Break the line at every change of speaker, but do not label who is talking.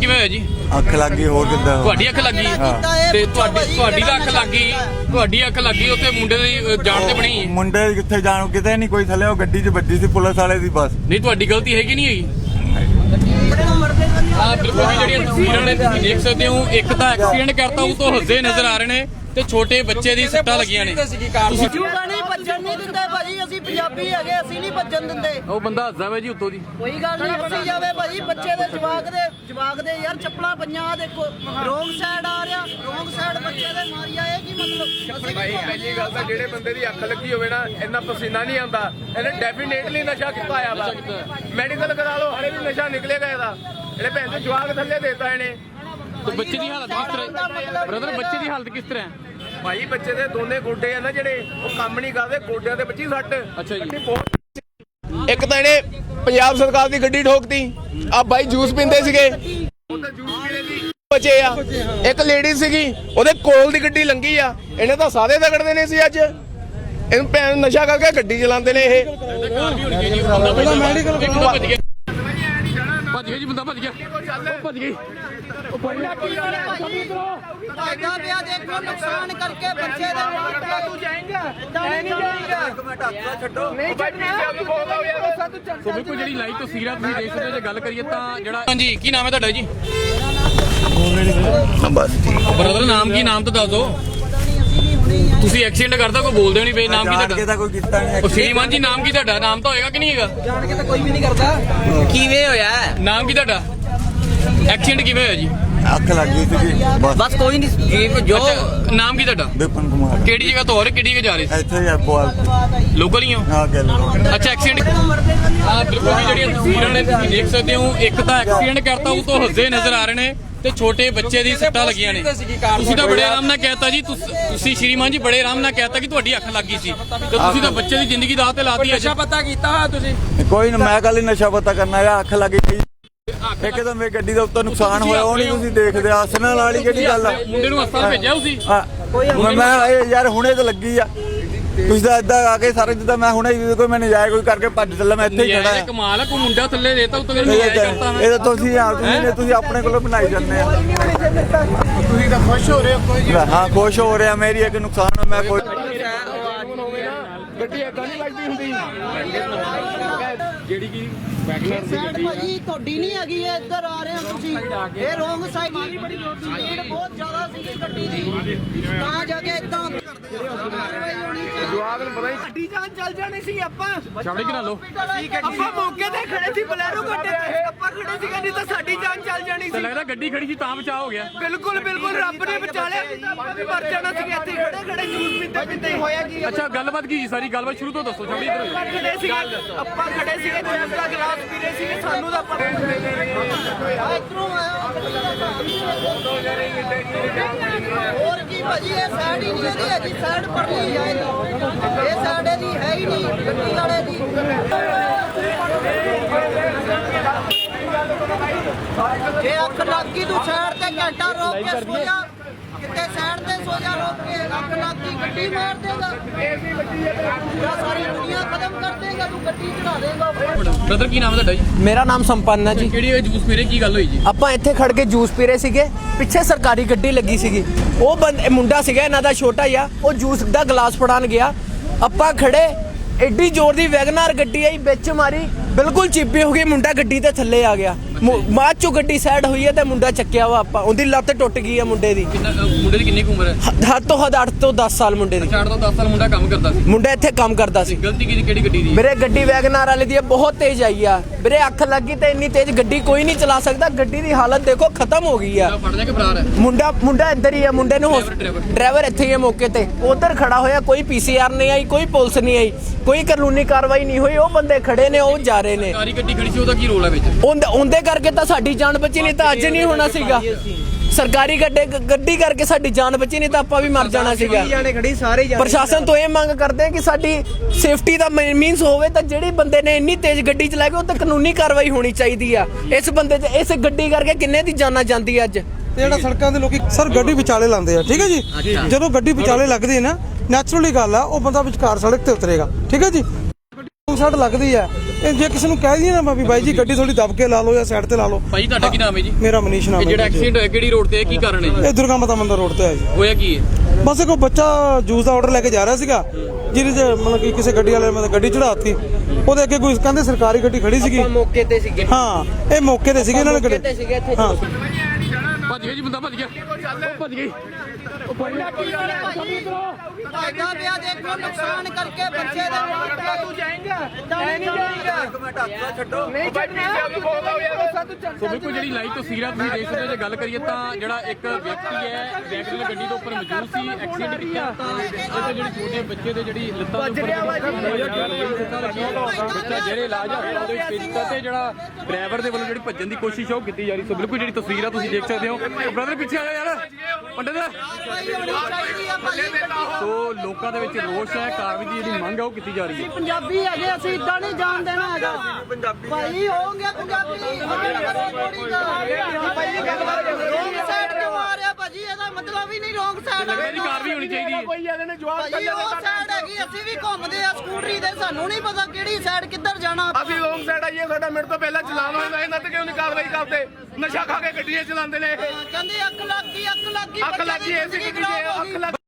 ਕਿਵੇਂ ਹੋਇਆ ਜੀ?
ਅੱਖ ਲੱਗ ਗਈ। ਹੋਰ ਕਿੱਦਾਂ?
ਤੁਹਾਡੀ ਅੱਖ ਲੱਗੀ ਤੇ ਤੁਹਾਡੀ ਤਾਂ ਅੱਖ ਲੱਗੀ, ਤੁਹਾਡੀ ਅੱਖ ਲੱਗੀ ਉੱਥੇ ਮੁੰਡੇ ਦੀ ਜਾਨ ਤੇ ਬਣੀ।
ਮੁੰਡੇ ਕਿੱਥੇ ਜਾਣ, ਕਿਤੇ ਨਹੀਂ ਕੋਈ ਥੱਲੇ, ਉਹ ਗੱਡੀ 'ਚ ਵੱਜੀ ਸੀ ਪੁਲਿਸ ਵਾਲੇ ਦੀ ਬਸ।
ਨਹੀਂ ਤੁਹਾਡੀ ਗਲਤੀ ਹੈਗੀ ਨਹੀਂ ਹੈਗੀ। ਬਿਲਕੁਲ ਜਿਹੜੀਆਂ ਤਸਵੀਰਾਂ ਨੇ ਤੁਸੀਂ ਦੇਖ ਸਕਦੇ ਹੋ, ਇੱਕ ਤਾਂ ਐਕਸੀਡੈਂਟ ਕਰਤਾ ਉਹ ਤੋਂ ਹੱਸਦੇ ਨਜ਼ਰ ਆ ਰਹੇ ਨੇ ਤੇ ਛੋਟੇ ਬੱਚੇ ਦੀ ਸੱਟਾਂ ਲੱਗੀਆਂ ਨੇ।
ਤੁਸੀਂ ਨਹੀਂ ਭੱਜਣ ਨਹੀਂ ਦਿੰਦੇ ਭਾਜੀ, ਅਸੀਂ ਪੰਜਾਬੀ ਹੈਗੇ, ਅਸੀਂ ਨਹੀਂ ਭੱਜਣ ਦਿੰਦੇ।
ਉਹ ਬੰਦਾ ਹੱਸਦਾ ਵਾ ਜੀ ਉੱਤੋਂ ਦੀ।
ਕੋਈ ਗੱਲ ਨਹੀਂ, ਹੱਸੀ ਜਾਵੇ ਭਾਜੀ। ਬੱਚੇ ਦੇ ਜਵਾਕ ਦੇ ਯਾਰ ਚੱਪਲਾਂ ਪਈਆਂ, ਦੇਖੋ ਰੋਂਗ ਸਾਈਡ ਆ ਰਿਹਾ, ਰੋਂਗ ਸਾਈਡ ਬੱਚੇ ਦੇ ਮਾਰੀ ਆਏ ਕੀ ਮਤਲਬ?
ਭਾਈ ਪਹਿਲੀ ਗੱਲ ਤਾਂ ਜਿਹੜੇ ਬੰਦੇ ਦੀ ਅੱਖ ਲੱਗੀ ਹੋਵੇ ਨਾ, ਇੰਨਾ ਪਸੀਨਾ ਨਹੀਂ ਆਉਂਦਾ, ਇਹਨੇ ਡੈਫੀਨੇਟਲੀ ਨਸ਼ਾ ਕੀਤਾ ਆ ਵਾ। ਮੈਡੀਕਲ ਕਰਾ ਲਓ, ਹਲੇ ਵੀ ਨਸ਼ਾ ਨਿਕਲੇਗਾ ਇਹਦਾ। ਇਹਦੇ ਭੈਣ ਦੇ ਜਵਾਕ ਥੱਲੇ ਦੇਤਾ ਇਹਨੇ।
ਤੇ ਬੱਚੇ ਦੀ ਹਾਲਤ ਕਿਸ ਤਰ੍ਹਾਂ ਬ੍ਰਦਰ? ਬੱਚੇ ਦੀ ਹਾਲਤ ਕਿਸ ਤਰ੍ਹਾਂ ਹੈ?
ਭਾਈ ਬੱਚੇ ਦੇ ਦੋਨੇ ਗੋਡੇ ਆ ਨਾ ਜਿਹੜੇ, ਉਹ ਕੰਮ ਨਹੀਂ ਕਰਦੇ, ਗੋਡਿਆਂ ਦੇ ਬੱਚੀ ਸੱਟ।
ਅੱਛਾ ਜੀ।
ਇੱਕ ਤਾਂ ਇਹਨੇ ਪੰਜਾਬ ਸਰਕਾਰ ਦੀ ਗੱਡੀ ਠੋਕਤੀ। ਆ ਭਾਈ ਜੂਸ ਪੀਂਦੇ ਸੀਗੇ, ਉਹ ਤਾਂ ਜੂਸ ਪੀਣੇ ਦੀ ਬਚੇ ਆ। ਇੱਕ ਲੇਡੀ ਸੀਗੀ, ਉਹਦੇ ਕੋਲ ਦੀ ਗੱਡੀ ਲੰਘੀ ਆ, ਇਹਨੇ ਤਾਂ ਸਾਰੇ ਤਗੜਦੇ ਨੇ ਸੀ ਅੱਜ। ਇਹਨੂੰ ਭੈਣ ਨਸ਼ਾ ਕਰਕੇ ਗੱਡੀ ਚਲਾਉਂਦੇ ਨੇ ਇਹ।
ਭੱਜ ਗਿਆ ਜੀ ਬੰਦਾ, ਭੱਜ ਗਿਆ, ਭੱਜ ਗਈ।
ਫਾਇਦਾ ਪਿਆ ਦੇਖੋ, ਨੁਕਸਾਨ ਕਰਕੇ ਬੱਚੇ ਦੇ
ਤੂੰ ਜਾਏਂਗਾ ਨਹੀਂ ਜਾਏਂਗਾ, ਇੱਕ ਮਿੰਟ ਹੱਥ ਛੱਡੋ, ਨਹੀਂ ਛੱਡਣਾ।
ਸੋ ਬਿਲਕੁਲ ਜਿਹੜੀ ਲਾਈਵ ਤਸਵੀਰਾਂ ਤੁਸੀਂ ਦੇਖ ਸਕਦੇ ਹੋ, ਜੇ ਗੱਲ ਕਰੀਏ ਤਾਂ ਜਿਹੜਾ ਹਾਂਜੀ ਕੀ ਨਾਮ ਹੈ ਤੁਹਾਡਾ ਜੀ?
ਬਸ
ਬ੍ਰਦਰ ਨਾਮ ਕੀ? ਨਾਮ ਤਾਂ ਦੱਸ ਦਿਓ। ਤੁਸੀਂ ਐਕਸੀਡੈਂਟ ਕਰਦਾ ਕੋਈ ਬੋਲਦੇ ਨਹੀਂ ਪਏ, ਨਾਮ ਕੀ ਤੁਹਾਡਾ?
ਤਾਂ ਕੋਈ ਕੀਤਾ ਨਹੀਂ।
ਉਹ ਸ਼੍ਰੀਮਾਨ ਜੀ ਨਾਮ ਕੀ ਤੁਹਾਡਾ? ਨਾਮ ਤਾਂ ਹੋਏਗਾ ਕਿ ਨਹੀਂ ਹੈਗਾ?
ਜਾਣ ਕੇ ਤਾਂ ਕੋਈ ਵੀ ਨਹੀਂ ਕਰਦਾ। ਕਿਵੇਂ ਹੋਇਆ?
ਨਾਮ ਕੀ ਤੁਹਾਡਾ? ਐਕਸੀਡੈਂਟ ਕਿਵੇਂ ਹੋਇਆ ਜੀ?
ਅੱਖ ਲੱਗ ਗਈ ਸੀ
ਬਸ ਕੋਈ ਨਹੀਂ ਜੋ।
ਨਾਮ ਕੀ ਤੁਹਾਡਾ?
ਵਿਪਨ ਕੁਮਾਰ।
ਕਿਹੜੀ ਜਗ੍ਹਾ ਤੋਂ ਹੋਰ ਕਿਹੜੀ ਜਗ੍ਹਾ ਜਾ ਰਹੇ ਸੀ?
ਇੱਥੇ ਹੀ ਬੋਲ
ਲੋਕਲ ਹੀ ਹੋ?
ਹਾਂ ਗੱਲ।
ਅੱਛਾ ਐਕਸੀਡੈਂਟ ਬਿਲਕੁਲ ਜਿਹੜੀਆਂ ਤਸਵੀਰਾਂ ਨੇ ਤੁਸੀਂ ਦੇਖ ਸਕਦੇ ਹੋ, ਇੱਕ ਤਾਂ ਐਕਸੀਡੈਂਟ ਕਰਤਾ ਉਹ ਤੋਂ ਹੱਸਦੇ ਨਜ਼ਰ ਆ ਰਹੇ ਨੇ ਤੇ ਛੋਟੇ ਬੱਚੇ ਦੀ ਸੱਟਾਂ ਲੱਗੀਆਂ ਨੇ। ਤੁਸੀਂ ਤਾਂ ਬੜੇ ਆਰਾਮ ਨਾਲ ਕਹਿਤਾ ਜੀ, ਤੁਸੀਂ ਸ਼੍ਰੀਮਾਨ ਜੀ ਬੜੇ ਆਰਾਮ ਨਾਲ ਕਹਿਤਾ ਕਿ ਤੁਹਾਡੀ ਅੱਖ ਲੱਗ ਗਈ ਸੀ, ਤੇ ਤੁਸੀਂ ਤਾਂ ਬੱਚੇ ਦੀ ਜ਼ਿੰਦਗੀ ਦਾਅ ਤੇ ਲਾਤੀ ਹੈ।
ਨਸ਼ਾ ਪਤਾ ਕੀਤਾ ਹੋਇਆ ਤੁਸੀਂ?
ਕੋਈ ਨਾ, ਮੈਂ ਕੱਲ ਹੀ ਨਸ਼ਾ ਪਤਾ ਕਰਨਾ ਹੈਗਾ। ਅੱਖ ਲੱਗ ਗਈ ਇੱਕ ਤਾਂ ਮੇਰੀ ਗੱਡੀ ਦਾ ਉੱਤੇ ਨੁਕਸਾਨ ਹੋਇਆ, ਉਹ ਨਹੀਂ ਤੁਸੀਂ ਦੇਖਦੇ। ਹੱਸਣ ਵਾਲੀ ਕਿਹੜੀ ਗੱਲ ਆ?
ਮੁੰਡੇ ਨੂੰ ਹਸਪਤਾਲ ਭੇਜਿਆ ਤੁਸੀਂ?
ਮੈਂ ਯਾਰ ਹੁਣੇ ਤਾਂ ਲੱਗੀ ਆ, ਤੁਸੀਂ ਤਾਂ ਏਦਾਂ ਆ ਕੇ ਸਾਰੇ ਜਿੱਦਾਂ ਮੈਂ ਹੁਣੇ ਕੋਈ ਮੈਂ ਨਜਾਇਜ਼ ਕੋਈ ਕਰਕੇ ਭੱਜ ਚੱਲਾ, ਮੈਂ ਇੱਥੇ ਹੀ ਖੜਾ ਆ।
ਕਮਾਲ ਆ, ਕੋਈ ਮੁੰਡਾ ਥੱਲੇ ਦੇਤਾ ਉੱਤੋਂ ਨਜਾਇਜ਼ ਕਰਤਾ ਮੈਂ।
ਇਹ ਤਾਂ ਤੁਸੀਂ ਆਪਣੇ ਕੋਲੋਂ ਬਣਾਈ ਜਾਂਦੇ ਆ।
ਤੁਸੀਂ ਤਾਂ ਖੁਸ਼ ਹੋ ਰਹੇ ਹੋ? ਕੋਈ
ਹਾਂ ਖੁਸ਼ ਹੋ ਰਿਹਾ, ਮੇਰੀ ਇੱਕ ਨੁਕਸਾਨ ਮੈਂ ਕੋਈ
ਗੱਡੀ ਏਦਾਂ ਨਹੀਂ ਲੱਗਦੀ ਹੁੰਦੀ
ਜਿਹੜੀ ਕੀ ਵੈਗਨਰ ਦੀ ਗੱਡੀ
ਭਾਜੀ ਤੁਹਾਡੀ ਨਹੀਂ ਹੈਗੀ, ਇਹ ਇੱਧਰ ਆ ਰਹੇ ਹੋ ਤੁਸੀਂ। ਇਹ ਰੋਂਗ ਸਾਈਡ ਮਾਰੀ, ਬੜੀ ਸਪੀਡ ਬਹੁਤ ਜ਼ਿਆਦਾ ਸੀਗੀ ਗੱਡੀ ਦੀ, ਤਾਂ ਜਾ ਕੇ ਇਦਾਂ
ਜਵਾਕ ਨੂੰ ਪਤਾ ਹੀ
ਸਾਡੀ ਜਾਨ ਚੱਲ ਜਾਣੀ ਸੀ। ਆਪਾਂ
ਛਾਵੜੀ ਕਰਾ ਲਓ।
ਆਪਾਂ ਮੌਕੇ ਤੇ ਖੜੇ ਸੀ, ਬਲੈਰੋ ਗੱਡੇ ਤੇ ਆਪਾਂ ਖੜੇ ਸੀ, ਨਹੀਂ ਤਾਂ ਸਾਡੀ ਜਾਨ ਚੱਲ ਜਾਣੀ
ਤੇ
ਸੀ।
ਲੱਗਦਾ ਗੱਡੀ ਖੜੀ ਸੀ ਤਾਂ ਬਚਾਅ ਹੋ ਗਿਆ।
ਬਿਲਕੁਲ ਬਿਲਕੁਲ, ਰੱਬ ਨੇ ਬਚਾ ਲਿਆ, ਆਪਾਂ ਵੀ ਮਰ ਜਾਣਾ ਸੀ। ਇੱਥੇ ਖੜੇ ਖੜੇ ਜੂਸ ਪੀਂਦੇ ਪੀਂਦੇ ਹੋਇਆ ਕੀ?
ਅੱਛਾ ਗੱਲਬਾਤ ਕੀ ਸੀ? ਸਾਰੀ ਗੱਲਬਾਤ ਸ਼ੁਰੂ ਤੋਂ ਦੱਸੋ। ਛਾਵੜੀ ਇੱਧਰ
ਆਪਾਂ ਖੜੇ ਸੀ, ਆਪਾਂ ਖੜੇ ਸੀਗੇ, ਜੂਸ ਦਾ ਗਲਾਸ ਪੀ ਰਹੇ ਸੀਗੇ, ਸਾਨੂੰ ਤਾਂ ਪਤਾ
ਇਧਰੋਂ ਆਇਆ ਹੋਰ ਕੀ ਭਾਜੀ, ਇਹ ਸਾਈਡ ਹੀ ਨਹੀਂ ਇਹਦੀ ਹੈਗੀ, ਸਾਈਡ ਪਰ ਨਹੀਂ ਆਏ, ਇਹ ਸਾਈਡ ਇਹਦੀ ਹੈ ਹੀ ਨਹੀਂ ਗੱਡੀ ਵਾਲੇ ਦੀ। ਜੇ ਅੱਖ ਲੱਗ ਗਈ ਤੂੰ ਸਾਈਡ ਤੇ ਘੰਟਾ ਰੋਕ ਕੇ ਸੋ ਜਾ, ਕਿਤੇ ਸਾਈਡ ਤੇ ਸੋ ਜਾ, ਰੋਕ ਕੇ। ਅੱਖ ਲੱਗ ਗਈ ਗੱਡੀ ਮਾਰ ਦੇਗਾ, ਪੂਰਾ ਸਾਰੀ ਦੁਨੀਆ ਖਤਮ ਕਰ ਦੇਗਾ, ਤੂੰ ਗੱਡੀ ਚੜਾ ਦੇਗਾ।
ਬ੍ਰਦਰ ਕੀ ਨਾਮ ਹੈ ਤੁਹਾਡਾ ਜੀ?
ਮੇਰਾ ਨਾਮ ਸੰਪੰਨ ਹੈ ਜੀ।
ਕਿਹੜੀ ਜੂਸ ਪੀਰੇ ਕੀ ਗੱਲ ਹੋਈ ਜੀ?
ਆਪਾਂ ਇੱਥੇ ਖੜ ਕੇ ਜੂਸ ਪੀ ਰਹੇ ਸੀਗੇ, ਪਿੱਛੇ ਸਰਕਾਰੀ ਗੱਡੀ ਲੱਗੀ ਸੀਗੀ। ਉਹ ਮੁੰਡਾ ਸੀਗਾ ਇਹਨਾਂ ਦਾ ਛੋਟਾ ਜਿਹਾ, ਉਹ ਜੂਸ ਦਾ ਗਲਾਸ ਫੜਾਉਣ ਗਿਆ। ਆਪਾਂ ਖੜੇ, ਐਡੀ ਜ਼ੋਰ ਦੀ ਵੈਗਨਾਰ ਗੱਡੀ ਆਈ, ਵਿੱਚ ਮਾਰੀ, ਬਿਲਕੁਲ ਚੀਪੀ ਹੋ ਗਈ। ਮੁੰਡਾ ਗੱਡੀ ਦੇ ਥੱਲੇ ਆ ਗਿਆ, ਬਾਅਦ ਚੋਂ ਗੱਡੀ ਸਾਈਡ ਹੋਈ ਹੈ ਤੇ ਮੁੰਡਾ ਚੱਕਿਆ ਵਾ। ਆਪਾਂ ਉਹਦੀ ਲੱਤ ਟੁੱਟ ਗਈ ਹੈ ਮੁੰਡੇ ਦੀ।
ਮੁੰਡੇ ਦੀ ਕਿੰਨੀ ਕੁ ਉਮਰ ਹੈ?
ਹੱਦ ਤੋਂ ਹੱਦ 8 ਤੋਂ 10 ਸਾਲ ਮੁੰਡੇ ਦੀ।
ਛੱਡ ਦੋ 10 ਸਾਲ ਮੁੰਡਾ ਕੰਮ ਕਰਦਾ ਸੀ।
ਮੁੰਡਾ ਇੱਥੇ ਕੰਮ ਕਰਦਾ ਸੀ।
ਗਲਤੀ ਕਿਹੜੀ ਗੱਡੀ ਦੀ?
ਵੀਰੇ ਗੱਡੀ ਵੈਗਨਾਰ ਵਾਲੇ ਦੀ ਬਹੁਤ ਤੇਜ਼ ਆਈ ਆ ਵੀਰੇ, ਅੱਖ ਲੱਗੀ ਤੇ ਇੰਨੀ ਤੇਜ਼ ਗੱਡੀ ਕੋਈ ਨਹੀਂ ਚਲਾ ਸਕਦਾ। ਗੱਡੀ ਦੀ ਹਾਲਤ ਦੇਖੋ ਖਤਮ ਹੋ ਗਈ ਆ।
ਫੜ ਜਾ ਕੇ ਫਰਾਰ ਹੈ
ਮੁੰਡਾ ਇੱਧਰ ਹੀ ਆ, ਮੁੰਡੇ ਨੂੰ ਡਰਾਈਵਰ ਇੱਥੇ ਹੀ ਹੈ ਮੌਕੇ ਤੇ, ਉਧਰ ਖੜਾ ਹੋਇਆ। ਕੋਈ ਪੀਸੀਆਰ ਨਹੀਂ ਆਈ, ਕੋਈ ਪੁਲਿਸ ਨਹੀਂ ਆਈ, ਕੋਈ ਕਾਨੂੰਨੀ ਕਾਰਵਾਈ ਨਹੀਂ ਹੋਈ। ਉਹ ਬੰਦੇ ਖੜੇ ਨੇ, ਉਹ ਜਾ ਰਹੇ ਨੇ।
ਸਾਰੀ ਗੱਡੀ ਖੜੀ ਸੀ, ਉਹਦਾ ਕੀ ਰੋਲ ਹੈ ਵਿੱਚ?
ਉਹਦੇ ਕਰਕੇ ਤਾਂ ਸਾਡੀ ਜਾਨ ਬਚੀ, ਨਹੀਂ ਤਾਂ ਅੱਜ ਨਹੀਂ ਹੋਣਾ ਸੀਗਾ। ਸਰਕਾਰੀ ਗੱਡੀ ਕਰਕੇ ਸਾਡੀ ਜਾਨ ਬਚੀ, ਨਹੀਂ ਤਾਂ ਆਪਾਂ ਵੀ ਮਰ ਜਾਣਾ ਸੀਗਾ। ਪ੍ਰਸ਼ਾਸਨ ਤੋਂ ਇਹ ਮੰਗ ਕਰਦੇ ਕਿ ਸਾਡੀ ਸੇਫਟੀ ਦਾ ਮੀਨਸ ਹੋਵੇ, ਤਾਂ ਜਿਹੜੇ ਬੰਦੇ ਨੇ ਇੰਨੀ ਤੇਜ਼ ਗੱਡੀ ਚਲਾਈ ਉਹ ਤਾਂ ਕਾਨੂੰਨੀ ਕਾਰਵਾਈ ਹੋਣੀ ਚਾਹੀਦੀ ਆ। ਇਸ ਬੰਦੇ ਤੇ ਇਸ ਗੱਡੀ ਕਰਕੇ ਕਿੰਨੇ ਦੀ ਜਾਨਾਂ ਜਾਂਦੀ ਅੱਜ।
ਤੇ ਜਿਹੜਾ ਸੜਕਾਂ ਦੇ ਲੋਕੀ ਸਰ ਗੱਡੀ ਵਿਚਾਲੇ ਲਾਉਂਦੇ ਆ, ਠੀਕ ਹੈ ਜੀ। ਜਦੋਂ ਗੱਡੀ ਵਿਚਾਲੇ ਲੱਗਦੀ ਹੈ ਨਾ, ਨੈਚੁਰਲੀ ਗੱਲ ਆ, ਉਹ ਬੰਦਾ ਵਿਚਕਾਰ ਸੜਕ ਤੇ ਉਤਰੇਗਾ, ਠੀਕ ਹੈ ਜੀ। ਸੱਟ ਲੱਗਦੀ ਹੈ। ਇਹ ਜੇ ਕਿਸੇ ਨੂੰ ਕਹਿ ਦਈਏ ਨਾ ਵੀ ਬਾਈ ਜੀ ਗੱਡੀ ਥੋੜੀ ਦਬ ਕੇ ਲਾ ਲਓ ਜਾਂ ਸਾਈਡ ਤੇ ਲਾ ਲਓ।
ਭਾਈ ਤੁਹਾਡਾ ਕੀ ਨਾਮ ਹੈ ਜੀ?
ਮੇਰਾ ਮਨੀਸ਼ ਨਾਮ
ਇਹ
ਹੈ
ਜਿਹੜਾ
ਜੀ।
ਐਕਸੀਡੈਂਟ ਹੋਇਆ ਕਿਹੜੀ ਰੋਡ ਤੇ ਹੈ, ਕੀ ਕਾਰਨ ਹੈ ਜੀ?
ਇਹ ਦੁਰਗਾ ਮਾਤਾ ਮੰਦਿਰ ਰੋਡ ਤੇ ਹੈ ਜੀ।
ਹੋਇਆ ਕੀ ਹੈ?
ਬਸ ਇੱਕ ਬੱਚਾ ਜੂਸ ਦਾ ਆਰਡਰ ਲੈ ਕੇ ਜਾ ਰਿਹਾ ਸੀਗਾ, ਜਿਹਦੇ 'ਚ ਮਤਲਬ ਕਿ ਕਿਸੇ ਗੱਡੀ ਵਾਲੇ ਨੇ ਗੱਡੀ ਚੜਾਤੀ। ਉਹਦੇ ਅੱਗੇ ਕੋਈ ਕਹਿੰਦੇ ਸਰਕਾਰੀ ਗੱਡੀ ਖੜੀ ਸੀਗੀ।
ਮੌਕੇ ਤੇ ਸੀਗੇ।
ਹਾਂ, ਇਹ ਮੌਕੇ ਤੇ ਸੀਗੇ, ਇਹਨਾਂ ਨੇ ਗੱਡੀ ਹਾਂ
ਭੱਜ ਗਿਆ ਜੀ, ਬੰਦਾ ਭੱਜ ਗਿਆ, ਉਹ ਭੱਜ ਗਈ।
ਫਾਇਦਾ ਪਿਆ ਦੇਖੋ ਨੁਕਸਾਨ ਕਰਕੇ ਬੱਚੇ ਦੇ ਮਾਂ ਤੂੰ ਜਾਏਂਗਾ ਨਹੀਂ ਜਾਏਂਗਾ ਇੱਕ ਮਿੰਟ ਹੱਥ ਛੱਡੋ ਨਹੀਂ
ਸੋ ਬਿਲਕੁਲ ਜਿਹੜੀ ਲਾਈਵ ਤਸਵੀਰਾਂ ਤੁਸੀਂ ਦੇਖ ਸਕਦੇ ਹੋ, ਜੇ ਗੱਲ ਕਰੀਏ ਤਾਂ ਜਿਹੜਾ ਇੱਕ ਵਿਅਕਤੀ ਹੈ ਵੈਗਨ ਗੱਡੀ ਦੇ ਉੱਪਰ ਮੌਜੂਦ ਸੀ, ਐਕਸੀਡੈਂਟ ਕੀਤਾ ਤਾਂ ਇਹਦੇ ਜਿਹੜੇ ਛੋਟੇ ਬੱਚੇ ਦੇ ਜਿਹੜੀ ਲੱਤਾਂ ਦੇ ਉੱਪਰ ਬੱਚਾ ਜਿਹੜੇ ਇਲਾਜ ਆ ਉਹਦੇ ਵਿੱਚ ਭੇਜ ਦਿੱਤਾ ਤੇ ਜਿਹੜਾ ਡਰਾਈਵਰ ਦੇ ਵੱਲੋਂ ਜਿਹੜੀ ਭੱਜਣ ਦੀ ਕੋਸ਼ਿਸ਼ ਉਹ ਕੀਤੀ ਜਾ ਰਹੀ। ਸੋ ਬਿਲਕੁਲ ਜਿਹੜੀ ਤਸਵੀਰਾਂ ਤੁਸੀਂ ਦੇਖ ਸਕਦੇ ਹੋ। ਬ੍ਰਦਰ ਪਿੱਛੇ ਆ ਯਾਰ ਪੰਡਿਤ। ਸੋ ਲੋਕਾਂ ਦੇ ਵਿੱਚ ਰੋਸ਼ ਹੈ, ਕਾਰਵਾਈ ਦੀ ਜਿਹੜੀ ਮੰਗ ਹੈ ਉਹ ਕੀਤੀ ਜਾ ਰਹੀ ਹੈ।
ਪੰਜਾਬੀ ਹੈਗੇ ਅਸੀਂ ਇਦਾਂ ਨਹੀਂ ਜਾਣ ਦੇਣਾ ਹੈਗਾ ਭਾਈ ਹੋਣਗੇ ਪੰਜਾਬੀ ਰੋਂਗ ਸਾਈਡ ਤੇ ਮਾਰਿਆ ਭਾਜੀ, ਇਹਦਾ ਮਤਲਬ ਹੀ ਨਹੀਂ ਰੋਂਗ ਸਾਈਡ
ਇਹਦੀ ਕਾਰਵਾਈ ਹੋਣੀ ਚਾਹੀਦੀ ਹੈ।
ਭਾਜੀ ਉਹ ਸਾਈਡ ਹੈਗੀ, ਅਸੀਂ ਵੀ ਘੁੰਮਦੇ ਆ ਸਕੂਟਰੀ ਤੇ, ਸਾਨੂੰ ਨਹੀਂ ਪਤਾ ਕਿਹੜੀ ਸਾਈਡ ਕਿੱਧਰ ਜਾਣਾ।
ਅਸੀਂ ਰੋਂਗ ਸਾਈਡ ਆਈਏ, ਸਾਡਾ ਮਿੰਟ ਤੋਂ ਪਹਿਲਾਂ ਚਲਾਨ ਹੋਇਆ, ਇਹਨਾਂ ਤੇ ਕਿਉਂ ਨਹੀਂ ਕਾਰਵਾਈ ਕਰਦੇ? ਨਸ਼ਾ ਖਾ ਕੇ ਗੱਡੀਆਂ ਚਲਾਉਂਦੇ ਨੇ ਇਹ।
ਕਹਿੰਦੇ ਅੱਖ ਲੱਗ ਗਈ
ਅੱਖ ਲੱਗੀ ਐਸੀ ਗੱਡੀ 'ਚ ਅੱਖ ਲੱਗ